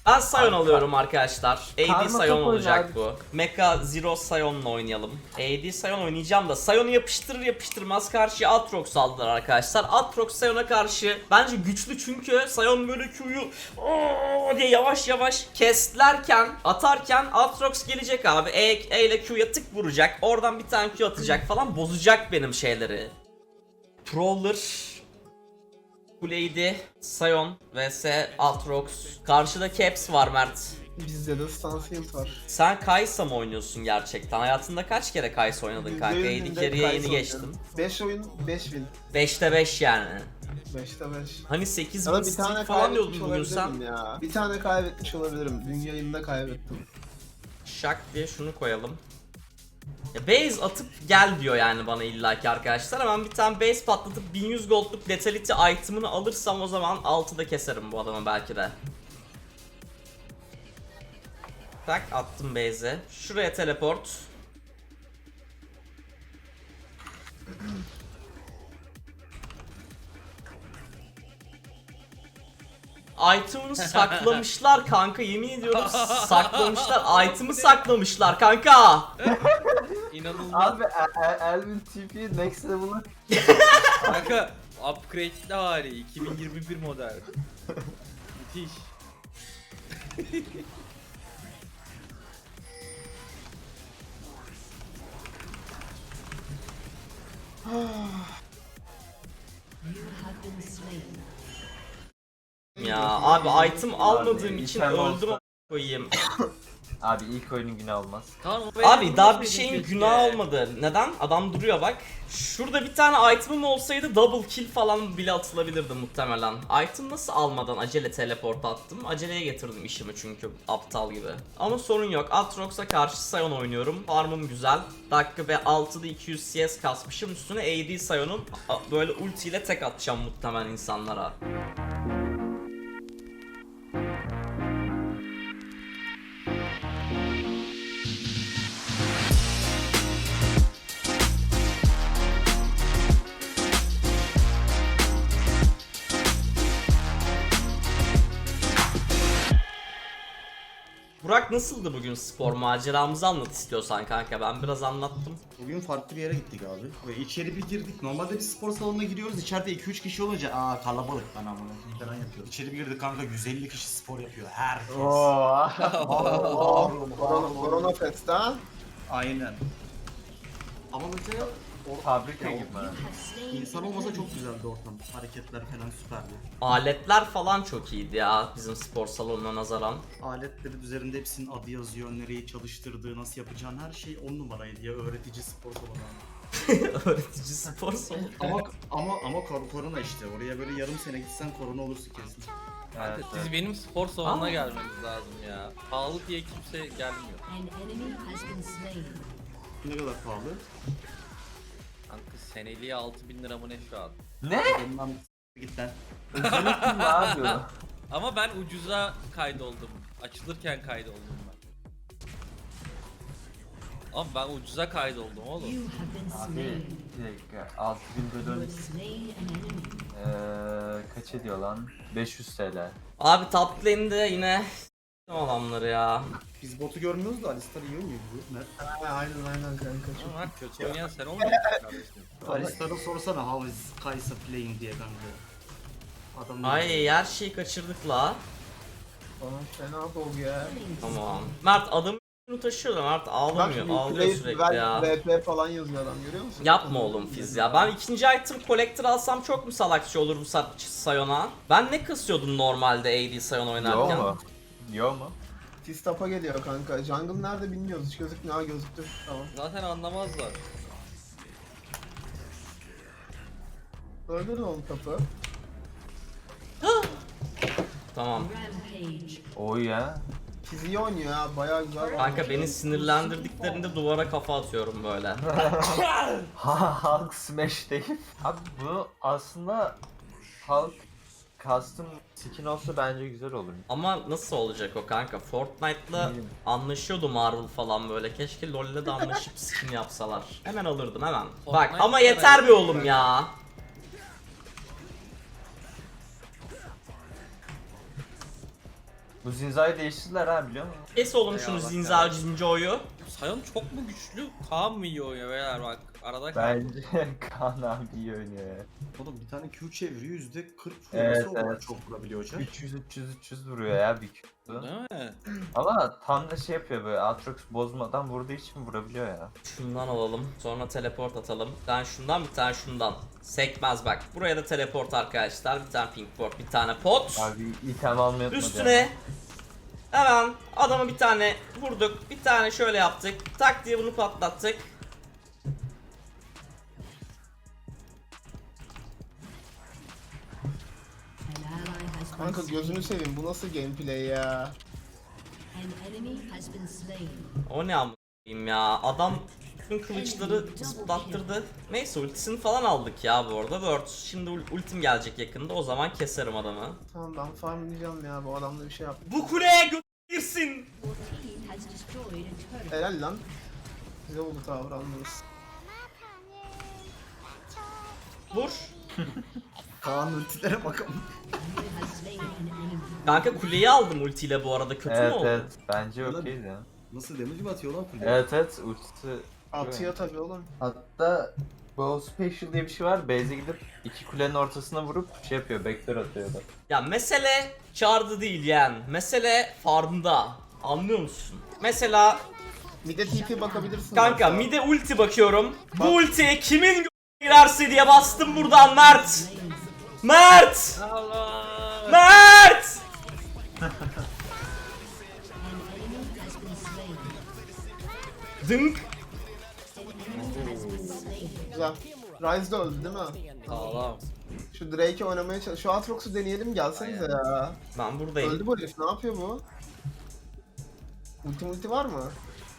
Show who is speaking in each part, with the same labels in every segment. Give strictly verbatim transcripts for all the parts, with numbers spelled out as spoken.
Speaker 1: Ben Sion
Speaker 2: Kanka.
Speaker 1: alıyorum arkadaşlar. A D
Speaker 2: Karma
Speaker 1: Sion
Speaker 2: top
Speaker 1: olacak
Speaker 2: oynardık.
Speaker 1: bu. Mecha Zero Sion'la oynayalım. A D Sion oynayacağım da Sion'u yapıştırır yapıştırmaz karşıya Aatrox aldılar arkadaşlar. Aatrox Sion'a karşı bence güçlü çünkü Sion böyle Q'yu ooo diye yavaş yavaş kestlerken, atarken Aatrox gelecek abi. E, e ile Q'ya tık vuracak. Oradan bir tane Q atacak falan, bozacak benim şeyleri. Prowler, Lady, Sion vs Aatrox. Karşıda Caps var Mert.
Speaker 3: Bizde de Stanfield var.
Speaker 1: Sen Kaysa mı oynuyorsun gerçekten? Hayatında kaç kere Kaysa oynadın kanka?
Speaker 3: Yüzde
Speaker 1: A
Speaker 3: yüz
Speaker 1: D
Speaker 3: binde
Speaker 1: Carry'e
Speaker 3: Kai'Sa
Speaker 1: yeni geçtim.
Speaker 3: oynuyorum. beş oyun beş win.
Speaker 1: beşte beş yani.
Speaker 3: beşte beş.
Speaker 1: Hani sekiz
Speaker 3: Ya
Speaker 1: bin
Speaker 3: da bir
Speaker 1: streak
Speaker 3: tane
Speaker 1: falan diyordun
Speaker 3: kaybetmiş
Speaker 1: bugün
Speaker 3: olabilirim
Speaker 1: sen.
Speaker 3: ya. Bir tane kaybetmiş olabilirim. Dün yayında kaybettim.
Speaker 1: Şak diye şunu koyalım. Ya base atıp gel diyor yani bana illaki arkadaşlar. Hemen bir tane base patlatıp bin yüz goldluk Letality item'ını alırsam o zaman altıda keserim bu adamı belki de. Tak attım base'e. Şuraya teleport. Item'ını saklamışlar kanka, yemin ediyorum saklamışlar. Item'ı saklamışlar kanka.
Speaker 4: İnanılmaz.
Speaker 2: Abi El- El- Elvin T P next level'ı
Speaker 4: Kanka upgrade'li hali iki bin yirmi bir model. Müthiş.
Speaker 1: Ya abi item almadığım
Speaker 2: Abi,
Speaker 1: için
Speaker 2: item
Speaker 1: öldüm
Speaker 2: olsa-
Speaker 1: a- koyayım.
Speaker 2: Abi ilk oyunun günü olmaz.
Speaker 4: Kaan, o
Speaker 1: Abi
Speaker 4: benim
Speaker 1: daha
Speaker 4: olmasaydı
Speaker 1: bir şeyin
Speaker 4: keşke.
Speaker 1: günahı olmadı. Neden? Adam duruyor bak. Şurada bir tane item'ım olsaydı double kill falan bile atılabilirdi muhtemelen. Item nasıl almadan acele teleport attım? Aceleye getirdim işimi çünkü aptal gibi. Ama sorun yok. Aatrox'a karşı Sion oynuyorum. Farmım güzel. Dakika ve altıda iki yüz C S kasmışım. Üstüne A D Sion'un a- böyle ultiyle tek atacağım muhtemelen insanlara. Burak nasıldı bugün spor maceramızı anlat istiyorsan kanka, ben biraz anlattım.
Speaker 5: Bugün farklı bir yere gittik abi. Ve içeri bir girdik. Normalde bir spor salonuna giriyoruz. İçeride iki üç kişi olunca aa kalabalık lan amına falan yapıyor. İçeri bir girdik kanka, yüz elli kişi spor yapıyor. Herkes.
Speaker 2: Oo.
Speaker 3: Korona, Korona Fest ha?
Speaker 5: Aynen. Ama mesela
Speaker 2: Fabrika gibi.
Speaker 5: insan olmasa çok güzeldi ortam. Hareketler falan süperdi.
Speaker 1: Aletler falan çok iyiydi ya bizim spor salonuna nazaran.
Speaker 5: Aletlerin üzerinde hepsinin adı yazıyor. Nereyi çalıştırdığı, nasıl yapacağın her şey on numaraydı ya, öğretici spor salonu.
Speaker 1: Öğretici spor salonu.
Speaker 5: ama ama ama kor- korona işte. Oraya böyle yarım sene gitsen korona olursun kesin.
Speaker 4: Kanka,
Speaker 2: Evet,
Speaker 4: siz
Speaker 2: evet.
Speaker 4: benim spor salonuna
Speaker 1: Aa.
Speaker 4: gelmeniz lazım ya. Pahalı diye kimse gelmiyor.
Speaker 6: An enemy has been slain.
Speaker 5: Ne kadar pahalı?
Speaker 4: Kanka seneliğe altı bin lira mı ne şu an?
Speaker 2: Ne?
Speaker 5: Ondan git lan.
Speaker 2: Üzülürsün mü abi?
Speaker 4: Ama ben ucuza kaydoldum. Açılırken kaydoldum ben. Ama ben ucuza kaydoldum oğlum.
Speaker 6: You have been
Speaker 2: Abi
Speaker 6: slain.
Speaker 2: bir dakika. altı bin
Speaker 6: You
Speaker 2: bölüm
Speaker 6: have slain an enemy.
Speaker 2: eee kaç ediyor lan? beş yüz T L.
Speaker 1: Abi top lane'de yine adamları ya.
Speaker 5: Biz botu görmüyoruz da Alistar iyi oynuyor bu. Mert.
Speaker 3: Ha, aynen aynen kanka. Çok.
Speaker 4: Ama kötü oynayan sen olmuyorsun kardeşim.
Speaker 5: Alistar'a sorsana how is Kai'Sa playing diye kanka. Adam ne
Speaker 1: Ay
Speaker 5: diyor?
Speaker 1: her şeyi kaçırdık la.
Speaker 3: Bana fena dol ya.
Speaker 1: Tamam. Mert adamı taşıyor da Mert ağlamıyor. Ağlıyor sürekli ya.
Speaker 3: V P falan yazıyor adam, görüyor musun?
Speaker 1: Yapma oğlum Fiz ya. Ben ikinci item collector alsam çok mu salakçı olur bu sa- Sion'a? Ben ne kasıyordum normalde A D Sion oynarken?
Speaker 2: Yo mu? Yo mu?
Speaker 3: Tistap'a geliyor kanka. Jungle nerede bilmiyoruz. Hiç gözükmüyor. Ha, gözüktü. Tamam.
Speaker 4: Zaten anlamazlar.
Speaker 3: Öldürün oğlum tapı.
Speaker 1: Tamam.
Speaker 6: Rampage.
Speaker 2: O ya.
Speaker 3: Fiz iyi oynuyor ya. Bayağı güzel.
Speaker 1: Kanka beni sinirlendirdiklerinde duvara kafa atıyorum böyle.
Speaker 2: Ha Hulk Smash değil. Abi bu aslında Hulk custom skin olsa bence güzel olur.
Speaker 1: Ama nasıl olacak o kanka? Fortnite'la anlaşıyordu Marvel falan böyle. Keşke LoL'le de anlaşıp skin yapsalar. Hemen alırdım hemen. Bak
Speaker 4: Fortnite
Speaker 1: ama
Speaker 4: kadar
Speaker 1: yeter be oğlum ya.
Speaker 2: Bu Zinza'yı değiştirdiler ha, biliyor musun?
Speaker 1: Kes oğlum şunu
Speaker 4: Eyvallah
Speaker 1: Zinza
Speaker 4: kardeşim.
Speaker 1: Zinco'yu.
Speaker 4: Sion çok mu güçlü? Kaan mı iyi oynuyor beyler bak. Arada kaldım.
Speaker 2: Bence Kaan abi iyi oynuyor ya.
Speaker 5: Oğlum bir tane Q çeviriyor yüzde kırk
Speaker 2: Evet,
Speaker 5: vurması o
Speaker 2: evet.
Speaker 5: çok vurabiliyor hocam.
Speaker 2: üç yüz üç yüz üç yüz vuruyor ya bir Q'su.
Speaker 4: Değil mi?
Speaker 2: Ama tam da şey yapıyor böyle, Aatrox bozmadan vurduğu için vurabiliyor ya.
Speaker 1: Şundan alalım. Sonra teleport atalım. Bir tane şundan, bir tane şundan. Sekmez bak. Buraya da teleport arkadaşlar. Bir tane pink ward, bir tane pot.
Speaker 2: Abi item almayı unutmadı
Speaker 1: Üstüne
Speaker 2: ya.
Speaker 1: hemen adamı bir tane vurduk. Bir tane şöyle yaptık. Tak diye bunu patlattık.
Speaker 6: An ally has been
Speaker 3: Kanka
Speaker 6: slain.
Speaker 3: gözünü seveyim, bu nasıl gameplay ya?
Speaker 6: An enemy has been slain.
Speaker 1: O ne amınayım ya. Adam bütün kılıçları zıplattırdı. Neyse ultisini falan aldık ya bu arada. Word. Şimdi ul- ultim gelecek yakında. O zaman keserim adamı.
Speaker 3: Tamam ben farmlayacağım ya, bu adamla bir şey yap.
Speaker 1: Bu kuleye gö- girsin.
Speaker 6: Your team has destroyed a turret.
Speaker 3: Helal lan. Güzel oldu tavır almanız.
Speaker 1: Vur.
Speaker 5: Kaan ultilere bakalım.
Speaker 6: You have slain an enemy.
Speaker 1: Kanka kuleyi aldım ultiyle bu arada. Kötü mü
Speaker 2: Evet
Speaker 1: oldu?
Speaker 2: evet, bence okeydi ya.
Speaker 5: Nasıl damage mi atıyor lan kuleye?
Speaker 2: Evet evet, ultisi.
Speaker 3: Atıyor tabii oğlum.
Speaker 2: Hatta Bow Special diye bir şey var. Base'e gidip iki kulenin ortasına vurup şey yapıyor, backdoor atıyor da.
Speaker 1: Ya mesele çardı değil yani. Mesele farmda. Anlıyor musun? Mesela
Speaker 3: Bir de T P bakabilirsin.
Speaker 1: kanka
Speaker 3: yoksa.
Speaker 1: mide ulti bakıyorum. Bu ultiye kimin gö- girerse diye bastım buradan Mert. Mert!
Speaker 4: Allah!
Speaker 1: Mert!
Speaker 6: An enemy has been slain.
Speaker 1: Dınk.
Speaker 6: An enemy has been slain.
Speaker 3: Güzel. Ryze de öldü değil mi?
Speaker 4: Sağlam.
Speaker 3: Şu Drake'i oynamaya çalış. Şu Aatrox'u deneyelim, gelsenize ya.
Speaker 1: Ben buradayım.
Speaker 3: Öldü bu herif, ne yapıyor bu? Ulti multi var mı?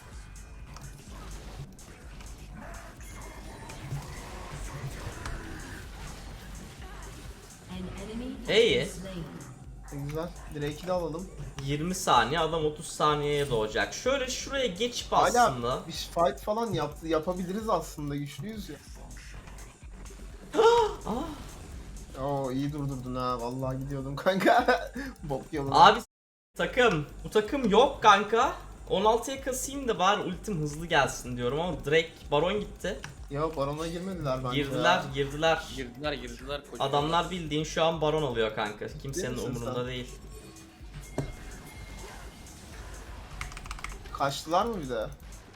Speaker 6: An enemy has
Speaker 1: İyi.
Speaker 6: been slain.
Speaker 3: E, güzel. Drake'i de alalım.
Speaker 1: yirmi saniye, adam otuz saniyeye doğacak. Şöyle şuraya geçip
Speaker 3: Hala
Speaker 1: aslında.
Speaker 3: bir fight falan yaptı, yapabiliriz aslında, güçlüyüz ya. Oo iyi durdurdun ha, vallahi gidiyordum kanka. Bok yoluna.
Speaker 1: Abi s- takım. Bu takım yok kanka. on altıya kasayım da bari ultim hızlı gelsin diyorum ama Drake Baron gitti.
Speaker 3: Ya barona girmediler bence.
Speaker 1: Girdiler,
Speaker 3: ya.
Speaker 1: girdiler.
Speaker 4: Girdiler girdiler. kocaman.
Speaker 1: Adamlar bildiğin şu an Baron alıyor kanka. Kimsenin
Speaker 3: misin
Speaker 1: umurunda
Speaker 3: sen?
Speaker 1: değil.
Speaker 3: Kaçtılar mı bir de?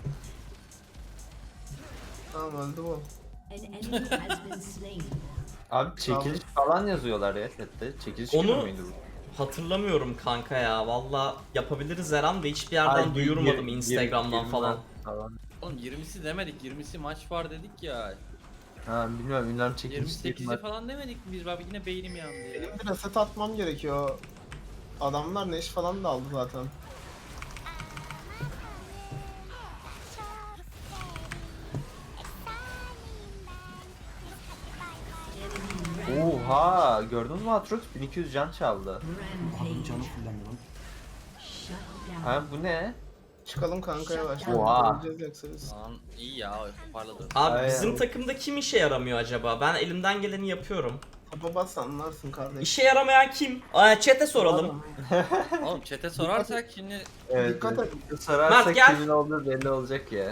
Speaker 3: Tamam öldü bu.
Speaker 6: An enemy has been slain.
Speaker 2: Abi çekiliş falan yazıyorlar ya chatte. Çekiliş
Speaker 1: Onu-
Speaker 2: günü müydü bu?
Speaker 1: Hatırlamıyorum kanka ya. Valla yapabiliriz her an da hiçbir yerden
Speaker 2: Ay,
Speaker 1: duyurmadım
Speaker 2: yir-
Speaker 1: Instagram'dan
Speaker 2: yirmi
Speaker 1: falan.
Speaker 2: falan.
Speaker 4: Oğlum yirmisi demedik. yirmisi maç var dedik ya.
Speaker 2: Ha bilmiyorum, ünlem çekiliş
Speaker 4: yirmi
Speaker 2: değil
Speaker 4: sekizi
Speaker 2: mi?
Speaker 4: falan demedik mi biz? Bak yine beynim yandı ya.
Speaker 3: Benim bir reset atmam gerekiyor. Adamlar Neş falan da aldı zaten.
Speaker 2: Oha, gördün mü Aatrox bin iki yüz can çaldı.
Speaker 5: Adamın canı
Speaker 6: Rampage.
Speaker 5: kullanmıyor.
Speaker 6: Shut down.
Speaker 2: Ha bu ne?
Speaker 3: Çıkalım kanka yavaştan.
Speaker 2: Oha.
Speaker 3: Öleceğiz yoksa biz.
Speaker 4: Lan iyi ya parladı.
Speaker 1: Abi
Speaker 2: Ay,
Speaker 1: bizim
Speaker 2: ay.
Speaker 1: takımda kim işe yaramıyor acaba? Ben elimden geleni yapıyorum.
Speaker 3: Baba bas anlarsın kardeş.
Speaker 1: İşe yaramayan kim? Aa, chat'e soralım.
Speaker 4: Oğlum chat'e sorarsak şimdi
Speaker 2: Evet,
Speaker 3: Dikkat
Speaker 2: evet.
Speaker 3: et.
Speaker 2: Sorarsak
Speaker 1: Mert, gel.
Speaker 2: kimin olduğu belli olacak ya.
Speaker 6: An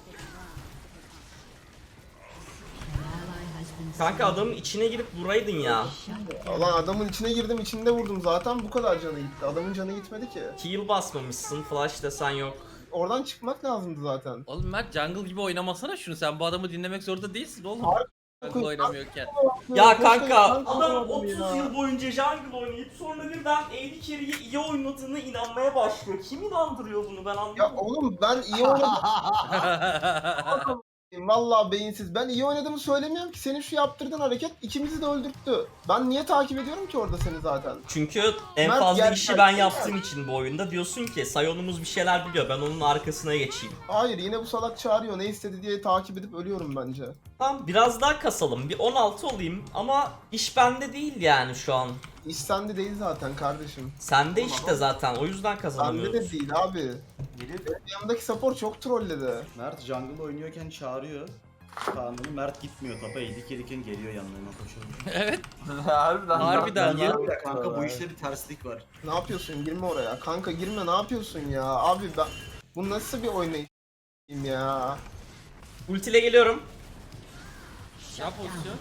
Speaker 6: ally has been
Speaker 1: Kanka
Speaker 6: slain.
Speaker 1: adamın içine girip vuraydın ya.
Speaker 6: Shut down.
Speaker 3: Ulan adamın içine girdim, içinde vurdum zaten, bu kadar canı gitti. Adamın canı gitmedi ki.
Speaker 1: Heal basmamışsın, flash desen yok.
Speaker 3: Oradan çıkmak lazımdı zaten.
Speaker 4: Oğlum Mert jungle gibi oynamasana şunu. Sen bu adamı dinlemek zorunda değilsin oğlum.
Speaker 3: Harbi.
Speaker 4: Jungle oynamıyorken.
Speaker 1: Ya
Speaker 3: Koşa
Speaker 1: kanka
Speaker 3: yapan
Speaker 1: adam
Speaker 3: adam
Speaker 1: otuz
Speaker 3: ya.
Speaker 1: yıl boyunca jungle oynayıp sonra birden A D carry'i iyi oynadığını inanmaya başlıyor. Kim inandırıyor bunu ben
Speaker 3: Ya
Speaker 1: anlamadım.
Speaker 3: oğlum ben iyi oynadım. Vallahi beyinsiz. Ben iyi oynadığımı söylemiyorum ki. Senin şu yaptırdığın hareket ikimizi de öldürttü. Ben niye takip ediyorum ki orada seni zaten?
Speaker 1: Çünkü en
Speaker 3: Mert
Speaker 1: fazla
Speaker 3: gel-
Speaker 1: işi ben yaptığım için bu oyunda diyorsun ki Sion'umuz bir şeyler biliyor ben onun arkasına geçeyim.
Speaker 3: Hayır, yine bu salak çağırıyor. Ne istedi diye takip edip ölüyorum bence.
Speaker 1: Tamam biraz daha kasalım bir on altı olayım ama iş bende değil yani şu an.
Speaker 3: İş sende değil zaten kardeşim.
Speaker 1: Sende işte zaten o yüzden
Speaker 3: Sende
Speaker 1: kazanamıyoruz.
Speaker 3: de değil abi.
Speaker 5: Gelip
Speaker 3: Benim yanımdaki support çok trolledi.
Speaker 5: Mert jungle oynuyorken çağırıyor. Kaan'ın Mert gitmiyor tapa eğdik gelirken geliyor yanlarına koşuyor.
Speaker 4: Evet.
Speaker 2: Harbiden.
Speaker 4: Harbiden
Speaker 5: Niye
Speaker 4: lan.
Speaker 5: böyle kanka bu işte bir terslik var.
Speaker 3: Ne yapıyorsun? Girme oraya. Kanka girme, ne yapıyorsun ya? Abi ben... Bu nasıl bir oynayış ya?
Speaker 1: Ultiyle geliyorum.
Speaker 4: Ne pozisyon?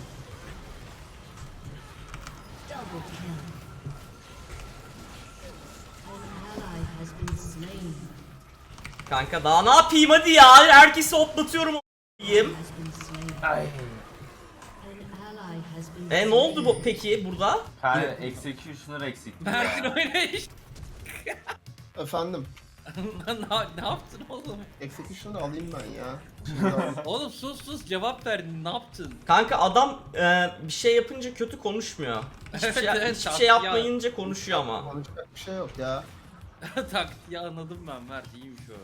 Speaker 6: Double kill. An ally has been slain.
Speaker 1: Kanka daha ne yapayım hadi ya. Herkesi hoplatıyorum a**ayım.
Speaker 6: Has been slain.
Speaker 2: Ay.
Speaker 6: An ally has been
Speaker 1: E ne oldu bu peki burada?
Speaker 2: Kanka executioner eksik.
Speaker 4: Mert'in oynayış.
Speaker 3: Efendim.
Speaker 4: ne, ne yaptın oğlum?
Speaker 3: Execution'ı alayım ben ya. Şimdi alayım.
Speaker 4: Oğlum sus sus cevap verdin ne yaptın?
Speaker 1: Kanka adam e, bir şey yapınca kötü konuşmuyor. Hiçbir
Speaker 4: Evet,
Speaker 1: şey,
Speaker 4: evet,
Speaker 1: hiçbir
Speaker 4: ya-
Speaker 1: şey yapmayınca konuşuyor ama.
Speaker 3: Konuşacak bir şey yok ya.
Speaker 4: Taktiği anladım ben Mert iyiymiş o.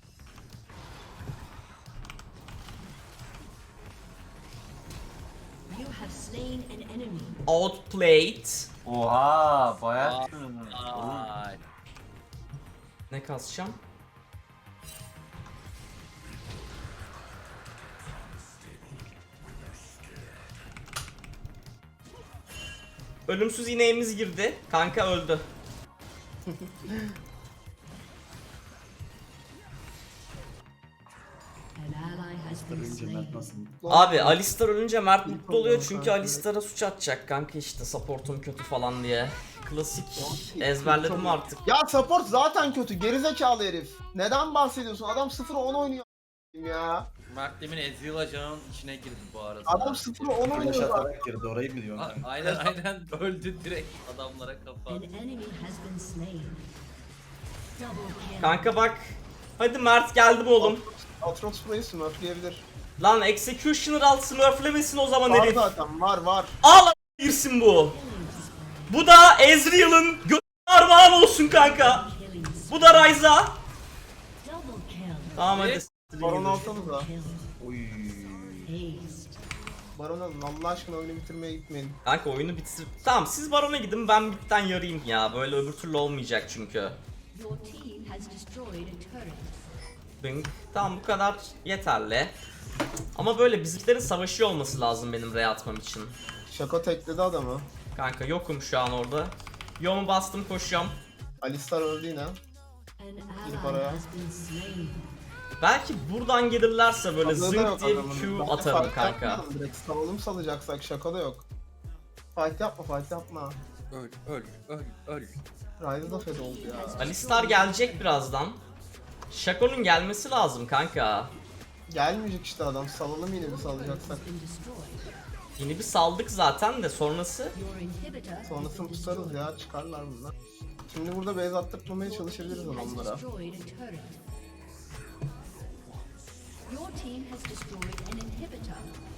Speaker 6: You have slain an enemy.
Speaker 1: Outplayed.
Speaker 2: Oha bayağı
Speaker 4: Aa.
Speaker 2: sürünür.
Speaker 4: Ay.
Speaker 1: Ne kasacağım? Ölümsüz ineğimiz girdi. Kanka öldü.
Speaker 6: An ally has been
Speaker 5: Önce Mert
Speaker 6: slain.
Speaker 5: nasıl?
Speaker 1: Abi Alistar ölünce Mert mutlu
Speaker 3: problem
Speaker 1: oluyor çünkü
Speaker 3: kanka.
Speaker 1: Alistar'a suç atacak kanka işte supportum kötü falan diye. Klasik ezberledim artık.
Speaker 3: Ya support zaten kötü. Gerizekalı herif. Neden bahsediyorsun? Adam sıfır on oynuyor ya.
Speaker 4: Mert demin Ezreal ajanın içine girdi bu arada.
Speaker 3: Adam sıfır on
Speaker 5: Flash
Speaker 3: oynuyor zaten.
Speaker 5: atarak girdi orayı mı diyorsun
Speaker 4: A-
Speaker 5: kanka?
Speaker 4: aynen aynen öldü direkt adamlara kafa.
Speaker 6: An enemy has been slain. Double kill.
Speaker 1: Kanka bak. Hadi Mert geldim oğlum.
Speaker 3: Atrox burayı smurfleyebilir.
Speaker 1: Lan Executioner al smurflemesin o zaman
Speaker 3: Var
Speaker 1: herif.
Speaker 3: zaten, var var.
Speaker 1: Al a- girsin bu. Bu da Ezreal'ın gö- armağan olsun kanka.
Speaker 6: Killing spree.
Speaker 1: Bu da Ryza.
Speaker 6: Double kill.
Speaker 1: Tamam hadi.
Speaker 4: Evet.
Speaker 3: Baron alsanıza.
Speaker 6: Kill.
Speaker 5: Oy.
Speaker 6: Aced.
Speaker 3: Baron alın. Allah aşkına oyunu bitirmeye gitmeyin.
Speaker 1: Kanka oyunu bitir. Tamam siz Baron'a gidin ben bitten yarayım ya. Böyle öbür türlü olmayacak çünkü.
Speaker 6: Your team has destroyed a turret.
Speaker 1: Bing. Tamam bu kadar yeterli. Ama böyle bizimkilerin savaşıyor olması lazım benim R'ye atmam için.
Speaker 3: Şaka tekledi adamı.
Speaker 1: Kanka yokum şu an orada. Yomu bastım koşuyorum.
Speaker 3: Alistar öldü yine.
Speaker 6: An
Speaker 3: Girip
Speaker 6: ally
Speaker 3: araya.
Speaker 6: has been slain.
Speaker 1: Belki buradan gelirlerse böyle
Speaker 3: Tabii da yok
Speaker 1: zınk diye
Speaker 3: adamın.
Speaker 1: bir Q
Speaker 3: Ben de
Speaker 1: atarım
Speaker 3: fight
Speaker 1: kanka.
Speaker 3: yapmayalım direkt. Salalım salacaksak şaka da yok. Fight yapma, fight yapma.
Speaker 4: Öl öl öl öl.
Speaker 3: Ryze da fed oldu ya.
Speaker 1: Alistar gelecek birazdan. Shaco'nun gelmesi lazım kanka.
Speaker 3: Gelmeyecek işte adam. Salalım yine bir salacaksak.
Speaker 6: Has been destroyed.
Speaker 1: Yeni bir saldık zaten de sonrası.
Speaker 6: Your inhibitor
Speaker 3: Sonrasını tutarız ya. Çıkarlar bunlar. Şimdi burada base attırmamaya çalışabiliriz
Speaker 6: has
Speaker 3: adamlara.
Speaker 6: destroyed a turret. Your team has destroyed an inhibitor.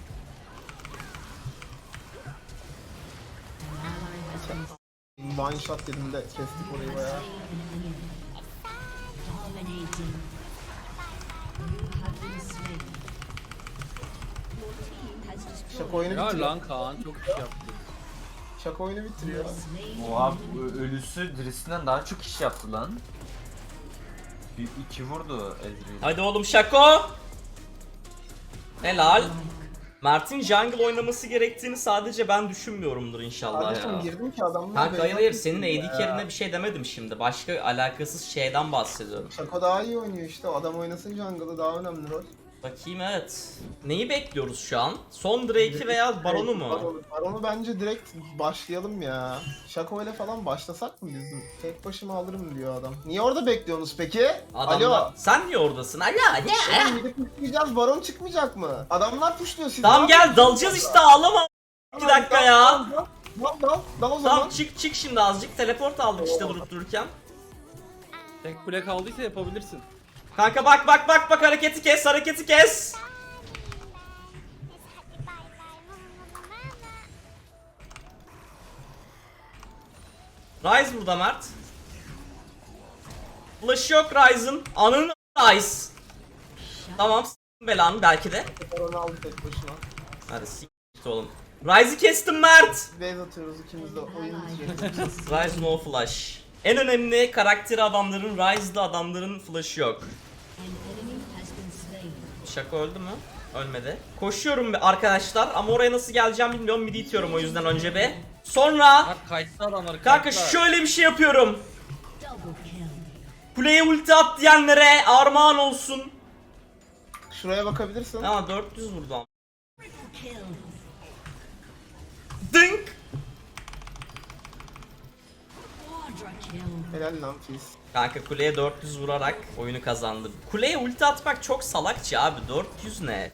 Speaker 6: An ally has been
Speaker 3: One shot dedim de kestik orayı
Speaker 6: has
Speaker 3: bayağı.
Speaker 6: slain an enemy. Dominating. You have been slain. Your team has destroyed
Speaker 3: Şaka oyunu
Speaker 4: Ya
Speaker 3: bitiriyor.
Speaker 4: lan Kaan çok iş yaptı.
Speaker 3: Şaka oyunu bitiriyor.
Speaker 6: slain.
Speaker 2: Oha bu ölüsü dirisinden daha çok iş yaptı lan. Bir iki vurdu Ezreal.
Speaker 1: Hadi oğlum Shaco. Helal. Mert'in jungle oynaması gerektiğini sadece ben düşünmüyorumdur inşallah
Speaker 3: Kardeşim
Speaker 1: ya.
Speaker 3: girdim ki adamlar
Speaker 1: Kanka
Speaker 3: base
Speaker 1: hayır hayır
Speaker 3: attı
Speaker 1: senin A
Speaker 3: ya.
Speaker 1: D carry'ine bir şey demedim şimdi. Başka alakasız şeyden bahsediyorum.
Speaker 3: Şaka daha iyi oynuyor işte. O adam oynasın jungle'ı daha önemli rol.
Speaker 1: Bakayım evet. Neyi bekliyoruz şu an? Son Drake'i veya Baron'u mu?
Speaker 3: Baron'u, Baron'u bence direkt başlayalım ya. Şako ile falan başlasak mı bizim? Tek başıma alırım diyor adam. Niye orada bekliyorsunuz peki?
Speaker 1: Adamlar...
Speaker 3: Alo.
Speaker 1: Sen niye oradasın? Alo ne?
Speaker 3: Oğlum gidip pushlayacağız, Baron çıkmayacak mı? Adamlar pushluyor siz.
Speaker 1: Tamam
Speaker 3: ne
Speaker 1: gel
Speaker 3: yapıyorsunuz
Speaker 1: dalacağız
Speaker 3: burada?
Speaker 1: işte ağlama. iki dakika
Speaker 3: Dal,
Speaker 1: ya.
Speaker 3: Dal dal dal, dal, dal o zaman.
Speaker 1: Tamam çık çık şimdi azıcık teleport aldık işte
Speaker 3: Tamam.
Speaker 1: durup dururken.
Speaker 4: Tek kule kaldıysa yapabilirsin.
Speaker 1: Kanka bak bak bak bak hareketi kes hareketi kes. Ryze burada Mert. Flash yok Ryze'ın. Anın Ryze. Tamam s**tim belanı belki de.
Speaker 3: Baron'u aldı tek başına.
Speaker 1: Hadi s**t oğlum. Ryze'ı kestim Mert.
Speaker 3: Base atıyoruz ikimiz de
Speaker 6: An
Speaker 3: oyun
Speaker 6: ally
Speaker 3: bitirecek.
Speaker 6: has been slain.
Speaker 1: Ryze no flash. En önemli karakteri adamların Ryze'da adamların flash'ı yok.
Speaker 6: An enemy has been slain.
Speaker 1: Şaka öldü mü? Ölmedi. Koşuyorum bir arkadaşlar ama oraya nasıl geleceğim bilmiyorum. Midi itiyorum o yüzden önce bir. Sonra
Speaker 4: Bak kayıtlı adamlar
Speaker 1: kanka
Speaker 4: kayıtlı.
Speaker 1: şöyle bir şey yapıyorum.
Speaker 6: Double kill.
Speaker 1: Kuleye ulti at diyenlere armağan olsun.
Speaker 3: Şuraya bakabilirsin.
Speaker 1: Ama dört yüz vurdu ama.
Speaker 6: Kill.
Speaker 1: Dınk.
Speaker 6: Quadra kill.
Speaker 3: Helal lan Fizz.
Speaker 1: Kanka kuleye dört yüz vurarak oyunu kazandım. Kuleye ulti atmak çok salakça abi. dört yüz ne?